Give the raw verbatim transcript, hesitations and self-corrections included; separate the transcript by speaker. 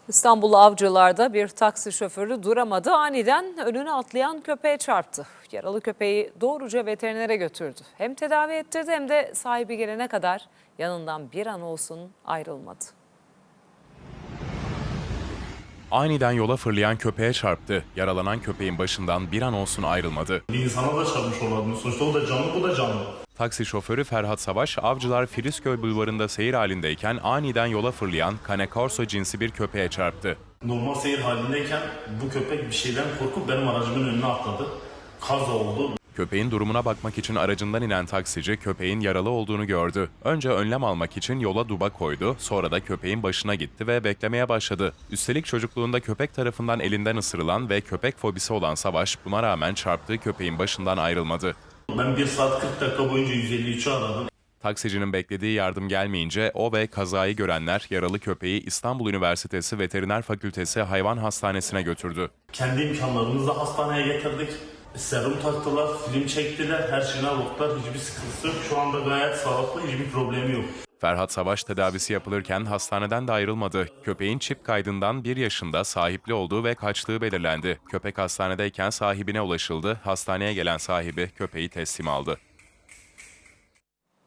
Speaker 1: İstanbul Avcılar'da bir taksi şoförü duramadı. Aniden önüne atlayan köpeğe çarptı. Yaralı köpeği doğruca veterinere götürdü. Hem tedavi ettirdi hem de sahibi gelene kadar yanından bir an olsun ayrılmadı.
Speaker 2: Aniden yola fırlayan köpeğe çarptı. Yaralanan köpeğin başından bir an olsun ayrılmadı.
Speaker 3: Bir insana da çarpmış olabilir. Sonuçta o da canlı, bu da canlı.
Speaker 2: Taksi şoförü Ferhat Savaş, Avcılar Filizköy Bulvarı'nda seyir halindeyken aniden yola fırlayan Cane Corso cinsi bir köpeğe çarptı.
Speaker 3: Normal seyir halindeyken bu köpek bir şeyden korkup benim aracımın önüne atladı. Kaza oldu.
Speaker 2: Köpeğin durumuna bakmak için aracından inen taksici köpeğin yaralı olduğunu gördü. Önce önlem almak için yola duba koydu, sonra da köpeğin başına gitti ve beklemeye başladı. Üstelik çocukluğunda köpek tarafından elinden ısırılan ve köpek fobisi olan Savaş buna rağmen çarptığı köpeğin başından ayrılmadı.
Speaker 3: Ben bir saat kırk dakika boyunca yüz elli üçü aradım.
Speaker 2: Taksicinin beklediği yardım gelmeyince o ve kazayı görenler yaralı köpeği İstanbul Üniversitesi Veteriner Fakültesi Hayvan Hastanesi'ne götürdü.
Speaker 3: Kendi imkanlarımızla hastaneye getirdik. Serum taktılar, film çektiler, her şeyine baktılar. Hiçbir sıkıntısı yok. Şu anda gayet sağlıklı, hiçbir problemi yok.
Speaker 2: Ferhat Savaş tedavisi yapılırken hastaneden de ayrılmadı. Köpeğin çip kaydından bir yaşında sahipli olduğu ve kaçtığı belirlendi. Köpek hastanedeyken sahibine ulaşıldı. Hastaneye gelen sahibi köpeği teslim aldı.